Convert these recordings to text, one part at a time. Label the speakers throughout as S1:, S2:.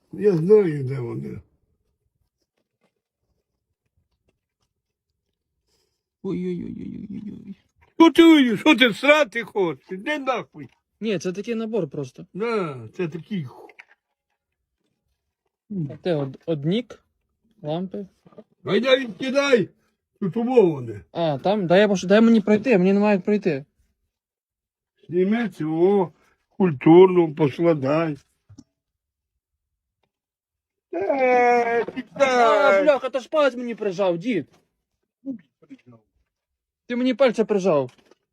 S1: Я знаю, де вони.
S2: Ой-ой-ой-ой-ой-ой.
S1: Що ти срати хочеш? Іди нахуй.
S2: Ні, це такий набор просто.
S1: На, це такий.
S2: Те однік, лампи.
S1: Гайда відкидай. Тут умоване.
S2: А, там, дай мені пройти, мені немає як пройти.
S1: Зніми цього, культурно поскладай.
S2: А,
S1: Кидай.
S2: бляха, то ж палець мені прижав, дід. Ти мені пальця прижав.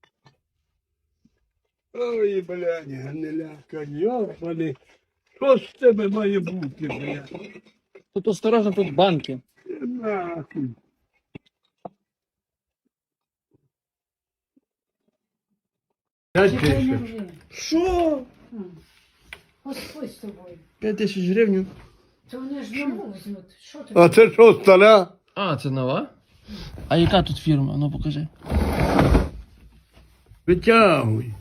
S1: Ой, блядь, гниляка, йобаний. Що з тебе має бути, блядь?
S2: Тут осторожно, тут банки.
S1: Нахуй.
S2: Що?
S3: Господь з тобою.
S2: 5000 гривень.
S3: То вони ж нову візьмуть. Що ти?
S1: А це що, стара?
S2: А, це нова? А яка тут фірма? Ну покажи.
S1: Витягуй.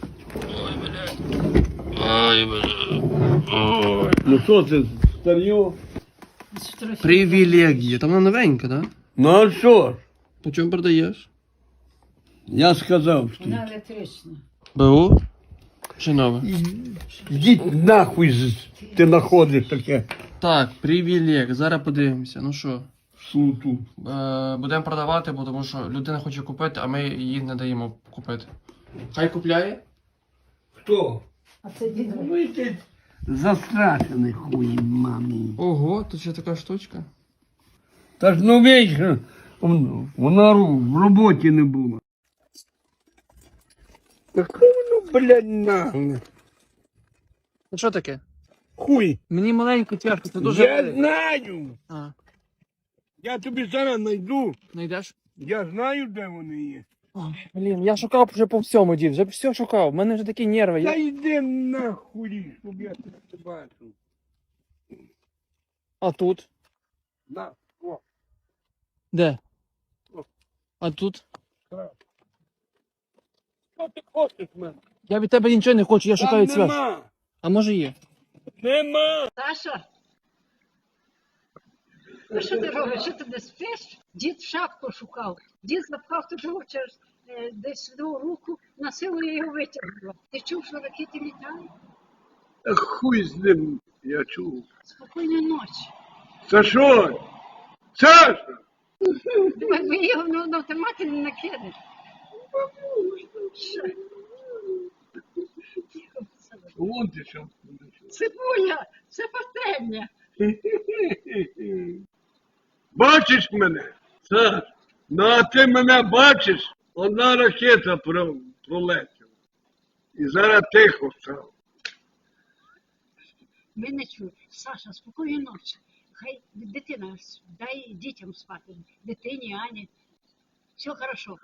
S2: Ой, бля.
S1: Ну що це, старьо?
S2: Привілегія. Там вона новенька, так? Да?
S1: Ну а що ж?
S2: По чому продаєш?
S1: Я сказав, що.
S3: Вона електрична.
S2: БУ? Чи нове?
S1: Йдіть нахуй, ти знаходиш таке
S2: Так, привілег. Зараз подивимося. Ну що?
S1: суту.
S2: Будемо продавати, бо тому що людина хоче купити, а ми її не даємо купити. Хай купляє.
S1: Хто?
S3: А це дідо.
S1: Ви ти застрашений хуй, мамі.
S2: Ого, тут ще така штучка.
S1: Та ж ну вічно, вона в роботі не була. Яке воно, блядь, нагле.
S2: Ну що таке?
S1: Хуй.
S2: Мені маленьку тяжко, це дуже
S1: Я
S2: велике.
S1: знаю.
S2: А,
S1: Я тобі зараз знайду.
S2: знайдеш?
S1: Я знаю, де вони є.
S2: Ой, блін, я шукав вже по всьому, дід, вже все шукав. У мене вже такі нерви.
S1: Та йди нахуй, щоб я тебе не бачив.
S2: А тут?
S1: На, о,
S2: Де?
S1: О.
S2: А тут?
S1: що ти хочеш в мене?
S2: Я від тебе нічого не хочу, я шукаю
S1: Там
S2: цвях.
S1: нема.
S2: А може є?
S1: Нема.
S3: Саша? А що ти робиш? Що ти не спиш? Дід шапку шукав. Дід запхав туди через десь в руку, на силу я його витягнула. Ти чув, що ракети літають?
S1: Та хуй з ним, я чув.
S3: Спокійної ночі.
S1: Сашо! Саша!
S3: Думаю, ви його на автоматі не накинеш. Що? Тихо, Саша.
S1: Вон ти що.
S3: Цибуля, це пательня.
S1: Бачиш мене? Саш, ну а ти мене бачиш? Одна ракета пролетіла. І зараз тихо стало.
S3: Ми не чуємо. Саша, спокійної ночі. Хай дитина, дай дітям спати. Дитині, Ані. Все хорошо.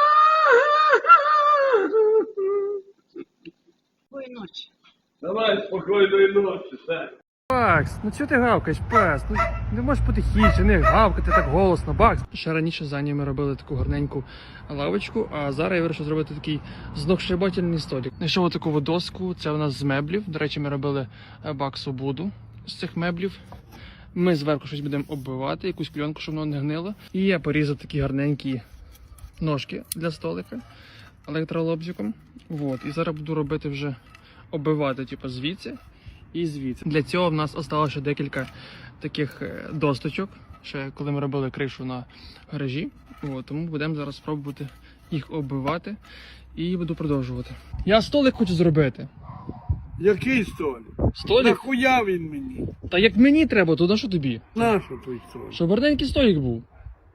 S3: Спокійної ночі.
S1: Давай спокійної ночі, Саш.
S2: Бакс, ну чого ти гавкаєш, пес? Ну не можеш потихіше, не гавкати так голосно, Бакс. Ще раніше за ними робили таку гарненьку лавочку, а зараз я вирішив зробити такий знохшибательний столик. Знайшов таку доску, це у нас з меблів. До речі, ми робили Баксу буду з цих меблів. Ми зверху щось будемо оббивати, якусь кльонку, щоб воно не гнило. І я порізав такі гарненькі ножки для столика електролобзиком. Вот. І зараз буду робити вже оббивати, типу, звідси і звідси. Для цього в нас осталося декілька таких досточок, ще коли ми робили кришу на гаражі. От, тому будемо зараз спробувати їх оббивати і буду продовжувати. Я столик хочу зробити.
S1: Який столик?
S2: Столик?
S1: Нахуя він мені?
S2: Та як мені треба, то на що тобі?
S1: Нащо той столик?
S2: Щоб гарненький столик був.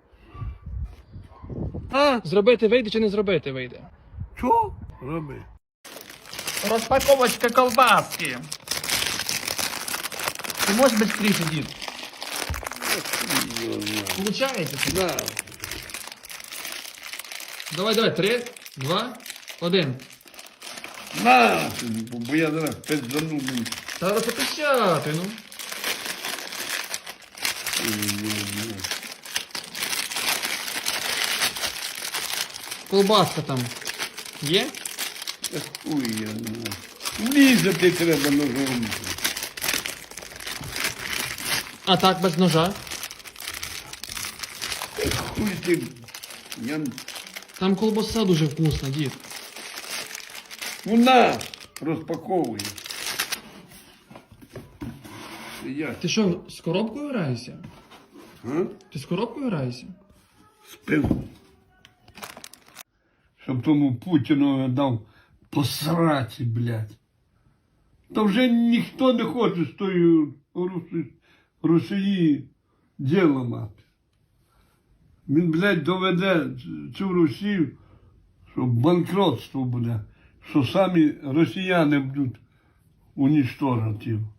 S1: А?
S2: Зробити вийде чи не зробити вийде?
S1: Що? Роби.
S2: Розпаковочка колбаски. Ти можеш швидше, дід? Получається?
S1: Да.
S2: Давай, 3, 2, 1.
S1: На, бо я зараз пиздану.
S2: Та розпочати, ну. Колбаска там є?
S1: Хуй я знаю. Влізати треба ножом.
S2: А так, без ножа?
S1: Хуй ти, я...
S2: Там колбаса дуже вкусна, дід.
S1: Ну на, розпаковуй. Я
S2: Ти що, з коробкою граєшся?
S1: а?
S2: Ти з коробкою граєшся?
S1: Спив. Щоб тому Путіну дав посраці, блядь. Та вже ніхто не хоче з тої Росії діло мати. Він, блядь, доведе цю Росію, що банкротство буде, що самі росіяни будуть унічтожити його.